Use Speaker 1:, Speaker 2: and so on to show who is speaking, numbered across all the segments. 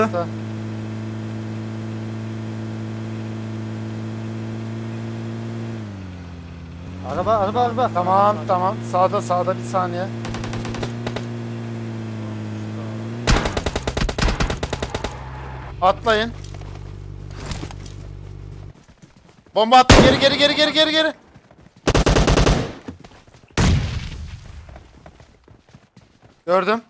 Speaker 1: Araba.
Speaker 2: Tamam. Sağda bir saniye. Atlayın. Bomba attı. Geri. Gördüm.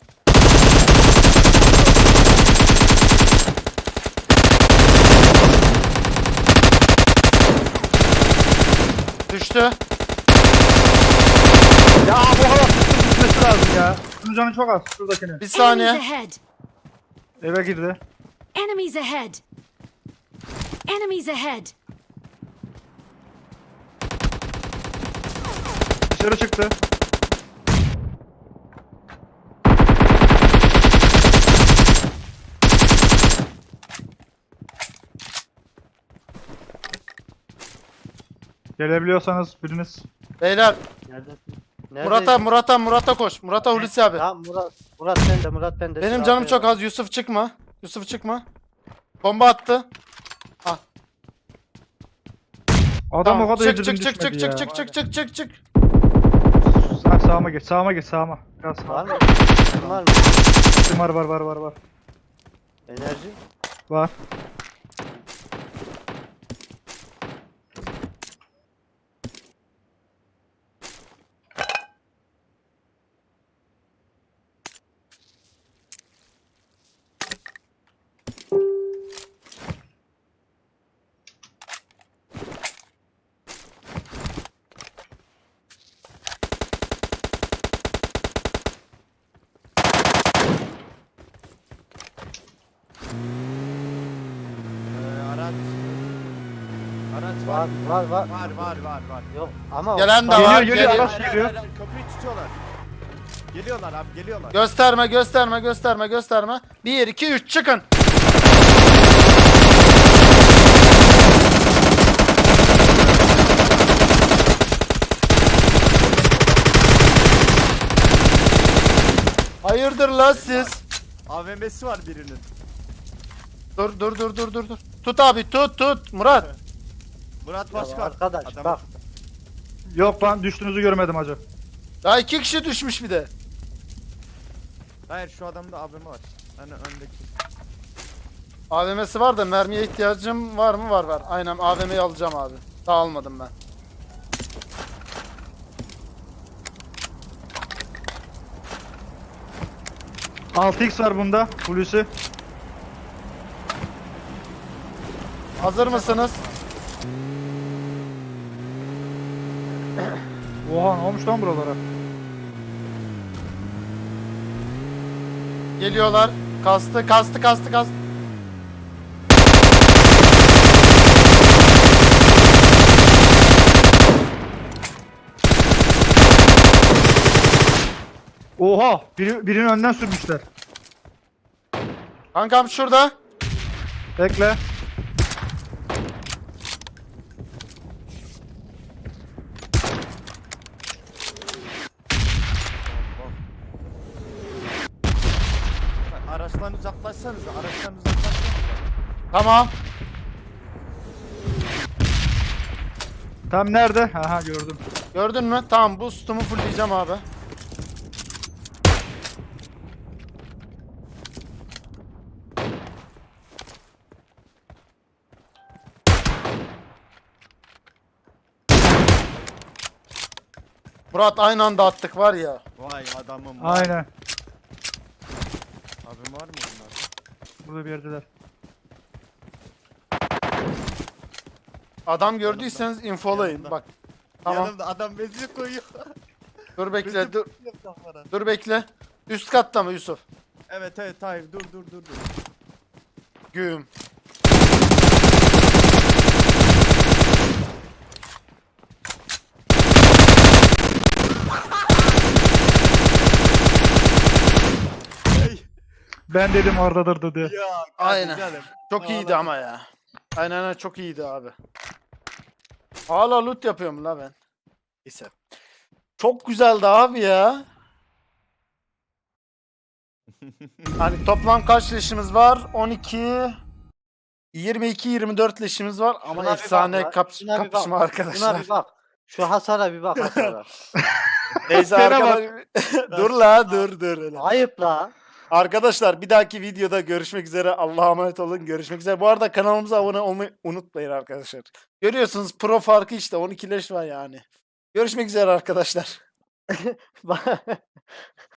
Speaker 2: Düştü.
Speaker 3: Ya bu hava düşmesi lazım ya. Bunun canı çok az şuradakini.
Speaker 2: Bir
Speaker 4: Enemies
Speaker 2: saniye.
Speaker 4: ahead.
Speaker 3: Eve girdi.
Speaker 4: Enemies ahead. Enemies ahead.
Speaker 3: Dışarı çıktı. Gelebiliyorsanız biriniz.
Speaker 2: Beyler.
Speaker 1: Neredesin?
Speaker 2: Murat'a koş. Murat'a Hulusi abi.
Speaker 1: Tamam Murat bende.
Speaker 2: Benim canım çok az. Yusuf çıkma. Bomba attı.
Speaker 3: Adam
Speaker 2: Tamam.
Speaker 3: o kadar
Speaker 2: Çık.
Speaker 3: yedirdim düşmedi ya.
Speaker 2: Çık.
Speaker 3: Sağıma geç. Biraz sağa.
Speaker 1: Var mı?
Speaker 3: Var.
Speaker 1: Enerji.
Speaker 3: Var.
Speaker 5: Araç
Speaker 1: Var.
Speaker 5: var.
Speaker 1: Yok ama
Speaker 2: Gelen de var.
Speaker 3: Geliyor, araç geliyor.
Speaker 5: Kapıyı tutuyorlar. Geliyorlar abi, geliyorlar.
Speaker 2: Gösterme. 1 2 3 çıkın. Hayırdır la siz?
Speaker 5: AVM'si var birinin.
Speaker 2: Dur. Tut abi tut. Murat.
Speaker 5: Murat
Speaker 1: Ya
Speaker 5: Başkan.
Speaker 1: arkadaş
Speaker 5: Adamı-
Speaker 1: bak.
Speaker 3: Yok ben düştüğünüzü görmedim hacı.
Speaker 2: Daha 2 kişi düşmüş bir de.
Speaker 5: Hayır, şu adamda AVM var. Hani öndeki.
Speaker 2: AVM'si var da mermiye ihtiyacım var mı? Var. Aynen AVM'yi alacağım abi. Daha almadım ben.
Speaker 3: Altı x var bunda. Hulusi.
Speaker 2: Hazır mısınız?
Speaker 3: Oha ne olmuş lan buralara?
Speaker 2: Geliyorlar. Kastı.
Speaker 3: Oha! Birinin önden sürmüşler.
Speaker 2: Kankam şurada.
Speaker 3: Bekle.
Speaker 5: Araçtan uzaklaşsanız.
Speaker 2: Tamam.
Speaker 3: Tam nerede? Aha gördüm.
Speaker 2: Gördün mü? Tamam boost'umu fullleyeceğim abi. Murat aynı anda attık var ya.
Speaker 5: Vay adamım. Vay.
Speaker 3: Aynen.
Speaker 5: AVM var mı bunlar?
Speaker 3: Burada bir yerdeler.
Speaker 2: Adam gördüyseniz infolayın.
Speaker 5: Yanımda.
Speaker 2: Bak. Tamam.
Speaker 5: Yanımda adam benzin koyuyor.
Speaker 2: Dur bekle.
Speaker 5: Benzin
Speaker 2: Dur,
Speaker 5: koyuyor kafana.
Speaker 2: dur bekle. Üst katta mı Yusuf?
Speaker 5: Evet hayır, dur.
Speaker 2: Güm.
Speaker 5: Hey.
Speaker 3: Ben dedim oradadır dedi.
Speaker 5: Ya
Speaker 2: Aynen.
Speaker 5: canım.
Speaker 2: Çok iyiydi ama ya. Aynen çok iyiydi abi. Hala loot yapıyorum la ben. Neyse. Çok güzeldi abi ya. Hani toplam kaç leşimiz var? 12 22 24 leşimiz var ama
Speaker 1: Şuna bir bak
Speaker 2: efsane
Speaker 1: ya, şuna bir bak.
Speaker 2: kapışma
Speaker 1: Buna
Speaker 2: arkadaşlar.
Speaker 1: bir bak. Şu hasara bir bak hasara.
Speaker 2: Neyse
Speaker 3: Gene bak.
Speaker 2: arkadaşlar. Dur la dur. Öyle.
Speaker 1: Ayıp la.
Speaker 2: Arkadaşlar bir dahaki videoda görüşmek üzere. Allah'a emanet olun. Görüşmek üzere. Bu arada kanalımıza abone olmayı unutmayın arkadaşlar. Görüyorsunuz pro farkı işte 12 leş var yani. Görüşmek üzere arkadaşlar.